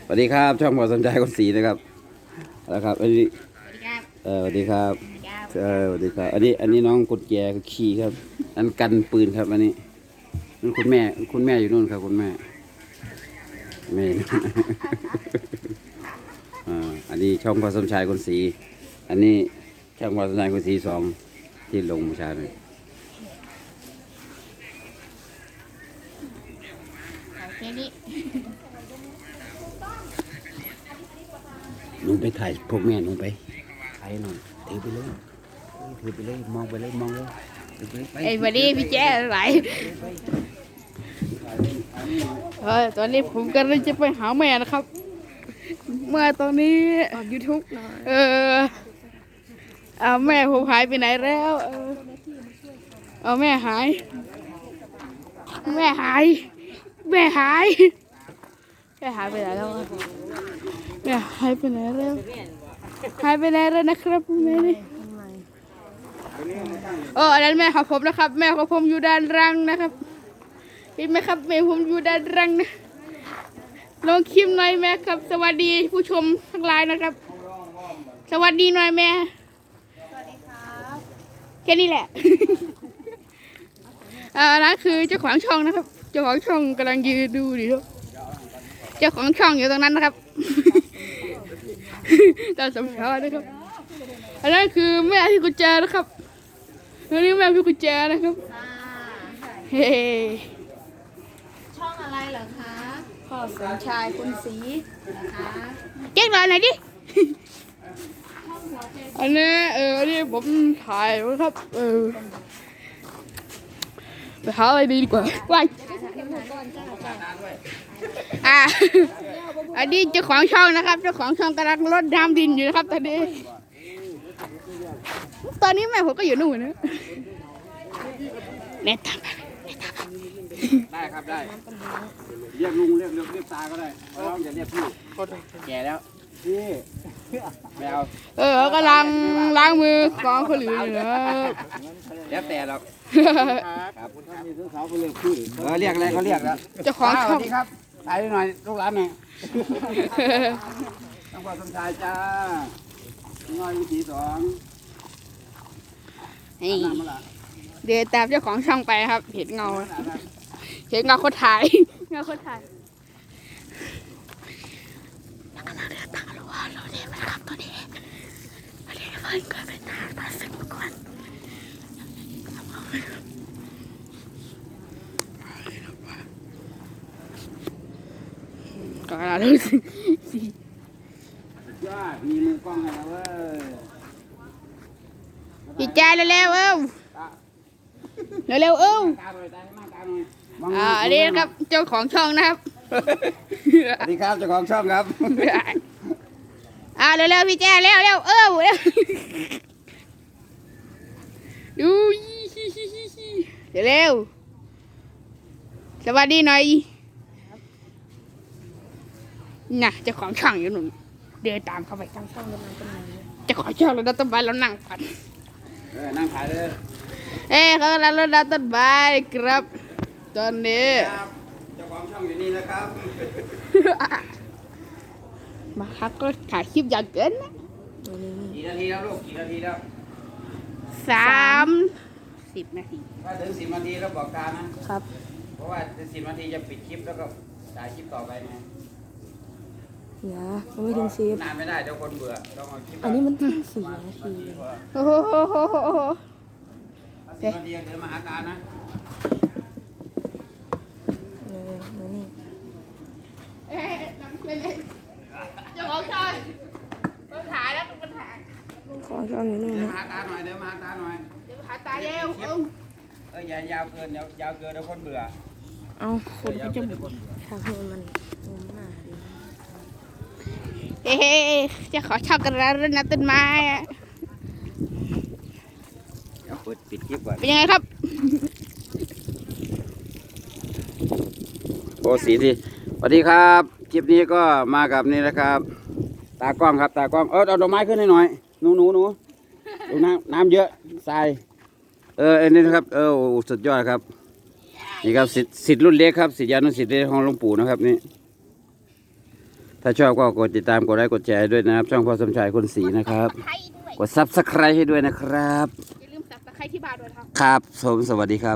สวัสดีครับช่องหมอสนใจคนสีนะครับนะครับอันนี้สวัสดีครับสวัสดีครับอันนี้น้องกุญแจขี่ครับอันกันปืนครับอันนี้นั่นคุณแม่อยู่นู่นครับคุณแม่อันนี้ช่องพอสมชายคนสีอันนี้ช่องพอสมชายคนสี2ที่ลงเมื่อเช้านี้หนูไปถ่ายพวกแม่หนูไปถ่ายหน่อยถือไปเลยมองไปเลยไอ้วันนี้พี่แจ๊ไหลตอนนี้ผมกำลังจะไปหาแม่นะครับ เมื่อตอนนี้ยูทูบแม่ผมหายไปไหนแล้วแม่หายไปไหนแล้วแม่หายไปไหนแล้วนะครับแม่นี่อันนั้นแม่ของผมนะครับแม่ของผมอยู่ด้านล่างนะครับเห็นไหมครับแม่ผมอยู่ด้านล่างนะลองคลิปหน่อยแม่ครับสวัสดีผู้ชมทั้งหลายนะครับสวัสดีหน่อยแม่สวัสดีครับแค่นี้แหละนั่นคือเจ้าของช่องนะครับเจ้าของช่องกำลังยืนดูดิครับเจ้าของช่องอยู่ตรงนั้นนะครับตาสมชายนะครับอันนั้นคือแม่พี่กุญแจนะครับอันนี้แม่พี่กุญแจนะครับเฮ้ช่องอะไรเหรอคะพ่อสมชายคนสีนะคะเจ๊งเลยไหนดิอันนี้ผมถ่ายนะครับไปหาอะไรดีกว่าว้ายอันนี้เจ้าของช่องนะครับเจ้าของช่องกำลังรดน้ำดินอยู่นะครับตอนนี้แม่ผมก็อยู่นู่นนะเน็ตตามได้ครับได้เรียกลุงเรียกตาก็ได้เราอย่าเรียกพี่แก่แล้วพี่แมวก็ล้างมือกองเขาหลืออยู่นะแล้วแต่เราครับคุณท่านมีซื้อสาวเขาเรียกพี่เรียกอะไรเขาเรียกแล้วเจ้าของช่องครับถ่ายหน่อยลูกหลานหน่อยต้องขอสมชายจ้าน้อยวิถี 2เดี๋ยวตามเจ้าของช่องไปครับเห็นเงาคนถ่ายแล้วก็เราเดินตามเราเดินมาครับตัวนี้เพื่อนก็เป็นตาสึกมาก่อนก็เราดูสิมีมือกล้องอะไรเว้ยดีใจเร็วๆอันนี้ครับเจ้าของช่องนะครับสวัสดีครับเจ้าของช่องครับเร็วๆพี่แจ้เร็วดูเร็วสวัสดีหน่อยน่ะเจ้าของช่องอยู่หนุ่มเดินตามเข้าไปเจ้าของช่องเราต้นไม้เรานั่งก่อนนั่งขายเลยเขากำลังรดน้ำต้นไม้ครับตอนนี้เจ้าของช่องอยู่นี่นะครับมาครับก็ถ่ายคลิปอย่างเกินนะกี่นาทีแล้วลูกกี่นาทีแล้ว 30 นาทีถ้าถึง10 นาทีแล้วบอกการนะครับเพราะว่าถึง10 นาทีจะปิดคลิปแล้วก็ถ่ายคลิปต่อไปไงอย่าไม่ถึงนานไม่ได้เดี๋ยวคนเบื่อต้องเอาคลิปอันนี้มัน4 นาทีโอ้โห 10 นาทีเดี๋ยวมาหาการนะเจ้าของช่องถ่ายแล้วต้องถ่ายของช่องอยู่นู่นนะหาตาหน่อยเดี๋ยวมาหาตาหน่อยหาตาเร็วอย่ายาวเกินเดี๋ยวคนเบื่อเอาคนก็จะทำให้มันมากจะขอชอบกันแล้วนะต้นไม้เปิดปิดคลิปก่อนเป็นยังไงครับโอ้สีดีสวัสดีครับคลิปนี้ก็มากับนี่นะครับตากล้องครับตากล้องเอาดอกไม้ขึ้นให้หน่อยหนูดูน้ำเยอะทรายอันนี้นะครับสุดยอดครับนี่ครับศิษย์รุ่นเล็กครับศิษยานุศิษย์ของหลวงปู่นะครับนี่ถ้าชอบก็กดติดตามกดไลค์กดแชร์ให้ด้วยนะครับ ช่องพ่อสมชายคนสีนะครับ กดซับสไครต์ให้ด้วยนะครับอย่าลืมสับตะไคร้ที่บาร์ด้วยครับครับผมสวัสดีครับ